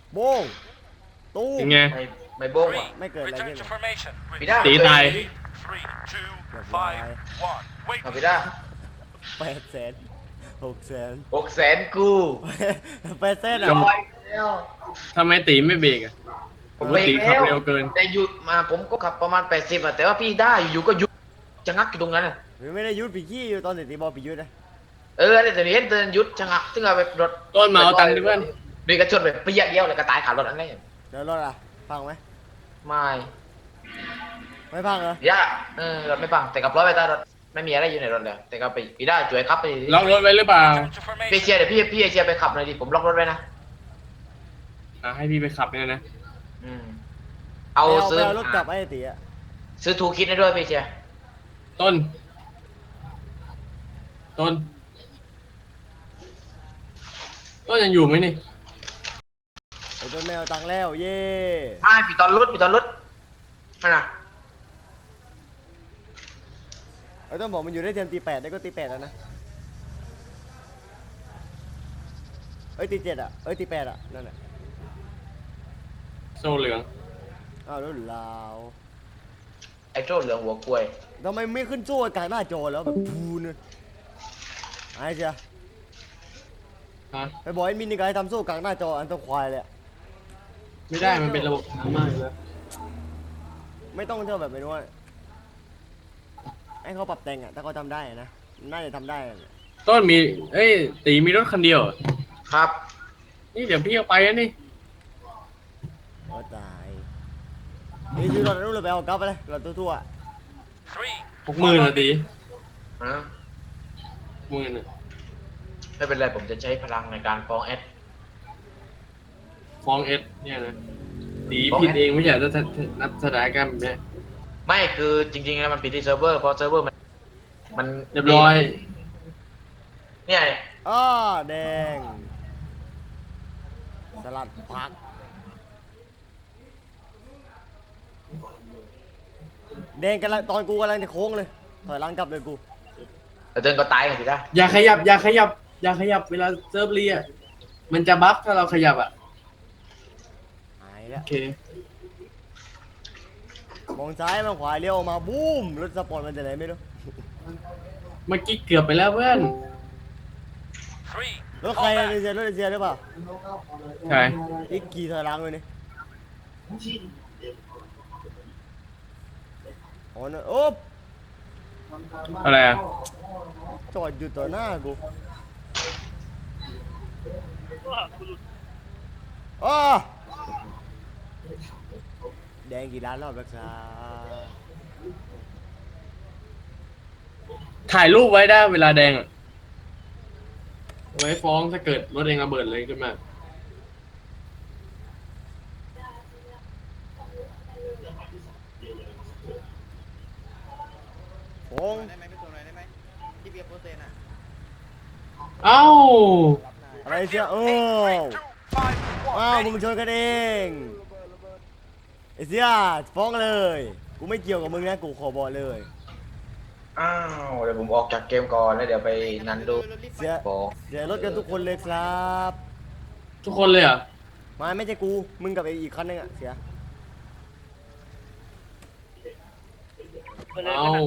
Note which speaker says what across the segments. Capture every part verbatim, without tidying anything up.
Speaker 1: โบงตู้ม
Speaker 2: ยังไง
Speaker 3: ไม่ไม่โบ้งว่ะ
Speaker 1: ไม่เกิดอะไรขึ้น
Speaker 3: พี่ด้า
Speaker 2: ตีตาย
Speaker 1: เรียบร้อย
Speaker 3: เอาพี่ด้า
Speaker 1: แปดแสนหกแสน
Speaker 3: หกแสนกู
Speaker 1: แปดแสน
Speaker 2: จ
Speaker 1: อ่ะ
Speaker 2: บ
Speaker 3: ไปแล้ว
Speaker 2: ทำไมตีไม่เบรกอ่ะผมว่าตีขับเร็วเกิน
Speaker 3: แต่หยุดมาผมก็ขับประมาณแปดสิบอะแต่ว่าพี่ด้าอยู่ๆก็หยุดชะงักอยู่ตรงนั้นอะ
Speaker 1: ไม่ได้ยุดปีกี้อยู่ตอนเด็กตีบอลปียุดนะ
Speaker 3: เออแต่เห็นเดินหยุดชะงักซึ่งเอาไปรถ
Speaker 2: ต้นมาเอาตังค์ดิเพื่อน
Speaker 3: ดีกระชนไปเปรี้ยเดียวเลยกระตายขารถอันนี้
Speaker 1: เดี๋ยวรถอ่ะพังไหม
Speaker 3: ไม่
Speaker 1: ไม่พังเหรอ
Speaker 3: ย่าเออรถไม่ปังแต่กับร้อยไปใต้รถไม่มีอะไรอยู่ในรถเลยแต่ก็ไปพี่ด้าช่วยขับไปดิ
Speaker 2: ล็อกรถไว้หรือเปล่า
Speaker 3: พี่เชียร์เดี๋ยวพี่พี่เชียร์ไปขับหน่อยดิผมล็อกรถไว้นะ
Speaker 2: อ่ะให้พี่ไปขับเนี่ยนะ
Speaker 3: อืมเอา
Speaker 1: ไปเอา
Speaker 3: ซื้
Speaker 1: ไป
Speaker 3: อ
Speaker 1: เอารถกลับไอ้ตีอ่ะ
Speaker 3: ซื้อทูคิดให้ด้วยพี่เชียร์
Speaker 2: ต้น ต้น ต้นยังอยู่ไหมนี่
Speaker 1: ไอ้ต้นแมวตังค์แล้วเย่
Speaker 3: ใช่พี่ตอนรถพี่ตอนรถนั่นน่ะ
Speaker 1: ไอ้ต้นบอกมันอยู่ได้เทียมตีแปดได้ก็ตีแปดแล้วนะเอ้ยตีเจ็ดอ่ะเอ้ยตีแปดอ่ะนั่นแหละ
Speaker 2: โซ่เหลือง
Speaker 1: อ้าวแล้วลาว
Speaker 3: ไอ้โจ้เหลืองหัวกล้วย
Speaker 1: ทำไมไม่ขึ้นโซ่กลางหน้าจอแล้วแบบพูนเลยไอ้เจ้า
Speaker 2: ฮะ
Speaker 1: ไปบอกไอ้มินนี่ก็ให้ทำโซ่กลางหน้าจออันตัวควายเลยอะ
Speaker 2: ไม่ได้มันเป็นระบบช้ามากเลย
Speaker 1: ไม่ต้องเท่าแบบไม่รู้ว่าให้เขาปรับแต่งอ่ะถ้าเขาทำได้อะนะน่าจะทำได้อะ
Speaker 2: ต้นมี เอ้ย ตีมีรถคันเดียวเหรอ
Speaker 3: ครับ
Speaker 2: นี่เดี๋ยวพี่เอาไปนะนี่
Speaker 1: ก็ตายนี่ซื้อรถนู้นเลยไปเอากลับไปเลยรถทั่ว
Speaker 2: หกหมื่นเหรอตี
Speaker 3: ฮะ
Speaker 2: หกหมื่นอะ
Speaker 3: ไม่เป็นไรผมจะใช้พลังในการฟ้องแอด
Speaker 2: ฟ้องเอสเนี่ยนะตี
Speaker 3: ฟ้อง
Speaker 2: ผิด
Speaker 3: เอส
Speaker 2: เองไม่ใช่ถ้าถ้าถ้านับสถานการณ์แบบเนี้ย
Speaker 3: ไม่คือจริงๆแล้วมันผิดที่เซิร์ฟเวอร์เพราะเซิร์ฟเวอร์มันมัน
Speaker 2: เรียบร้อย
Speaker 3: เนี่ย
Speaker 1: ๆอ้อแดงสลัดผักแดงกำลังตอนกูกำลังจะโค้งเลยถอยหลังกลับเลยกู
Speaker 3: แต่เดินก็ตายกันสิจ้ะ
Speaker 2: อย่าขยับ อย่าขยับ อย่าขยับเวลาเซิร์ฟเรียอะมันจะบัฟถ้าเราขยับอ่ะ
Speaker 1: หายแล้
Speaker 2: โอ
Speaker 1: ว
Speaker 2: เค
Speaker 1: มองซ้ายมองขวาเลี้ยวออกมาบูมรถสปอร์ตมันจะไหนไม่รู้
Speaker 2: เมื่อกี้เกือบไปแล้วเพื่อน
Speaker 1: รถใครอะเอเชียรถเอเชียหรือเปล่า
Speaker 2: ใช่
Speaker 1: อีกกี่ถอยหลังเลยนี่โอ้โหโอ๊บ
Speaker 2: อะไรอ่ะ
Speaker 1: จอดอยู่ต่อหน้ากูอ้อแดงกี่ล้านรอบแล้วครับ
Speaker 2: ถ่ายรูปไว้ได้เวลาแดงอ่ะ ไว้ฟ้องถ้าเกิดรถเองระเบิดเลยขึ้นมา
Speaker 1: โค้ง
Speaker 4: ได้ไหมพี่ตัวหน่อยได้ไหมที่เบียร์โปรเซนอ่ะ
Speaker 2: เอ้า
Speaker 1: อะไรเชียโอ้อ้าวมึงชนกันเองไอ้เสียฟ้องเลย กูไม่เกี่ยวกับมึงนะกูขอบอกเลย
Speaker 3: อ้าวเดี๋ยวผมออกจากเกมก่อนแล้วเดี๋ยวไปนันดู
Speaker 1: เสีย
Speaker 3: ฟ้อง
Speaker 1: เสียรถกันทุกคนเลยครับ
Speaker 2: ทุกคนเลยเหรอ่ะ
Speaker 1: มาไม่ใช่กู มึงกับไอ้อีกคันนึงอะเสีย
Speaker 2: เอ้า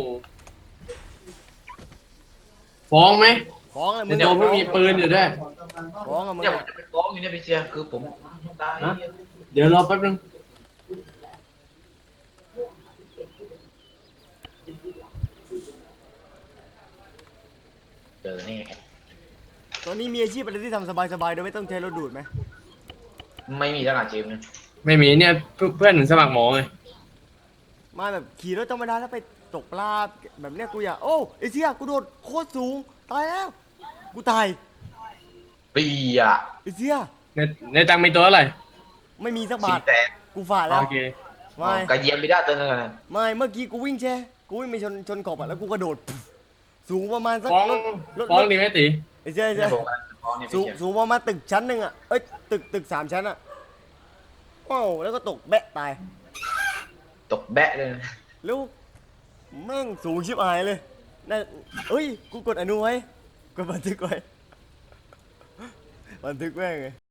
Speaker 2: ฟ้องไหม
Speaker 1: ฟ้องเลยมึง
Speaker 2: เดี๋ยวไม่มีปืนอยู่ด้วย
Speaker 1: ฟ้องอะมึง
Speaker 3: เนี่ยผม
Speaker 1: อะ
Speaker 3: จะไปฟ้องอยู่เนี่ยพี่เชียร์คือผมตาย
Speaker 2: ฮะ เดี๋ยวรอแป๊บนึง
Speaker 3: เจอนี่
Speaker 1: ตอนนี้มีอาชีพอะไรที่ทำสบายๆโดยไม่ต้องใช้รถดูดไหม
Speaker 3: ไม่มีทหารจีมนะ
Speaker 2: ไม่มีเนี่ยเพื่อนเพื่อนสมัครหมอไง
Speaker 1: มาแบบขี่รถธรรมดาแล้วไปตกปลาแบบเนี้ยกูอยากโอ้ไอ้เสียกูโดดโคตรสูงตายแล้ว กูตาย
Speaker 3: ปีอะ
Speaker 1: ไอ้เสีย
Speaker 2: ในในตังค์มีตัวอะไร
Speaker 1: ไม่มีสักบา
Speaker 3: สี่
Speaker 1: ท
Speaker 3: แสน
Speaker 1: กูฝ่าแล้ว
Speaker 2: โอเค
Speaker 1: ไม่
Speaker 3: กระเยียมไม่ได้ตัวนึงนะ
Speaker 1: ไม่เมื่อกี้กูวิ่งแช่กูวิ่งไปชนชนขอบอะแล้วกูกระโดดปุ๊บสูงประมาณสัก
Speaker 2: ฟ้อง
Speaker 1: รถรถ
Speaker 2: ฟ้อง
Speaker 1: รถ
Speaker 2: ดีไหมตี
Speaker 1: ไอ้เสียไอ้เสี
Speaker 3: เนี่ย ยผมกำลังจะฟ้องเนี่ย
Speaker 1: สู
Speaker 3: พี่
Speaker 1: ง
Speaker 3: เชียร์
Speaker 1: สูงประมาณตึกชั้นหนึ่งอะเอ้ยตึกตึกสามชั้นอะว้าวแล้วก็ตกแบะตาย
Speaker 3: ตกแบะเลยนะ
Speaker 1: แล้วแม่งสูงชิบหายเลยน่าเอ้ย กูกดอนุไว้ กดบันทึกไว้ บันทึกแม่งไง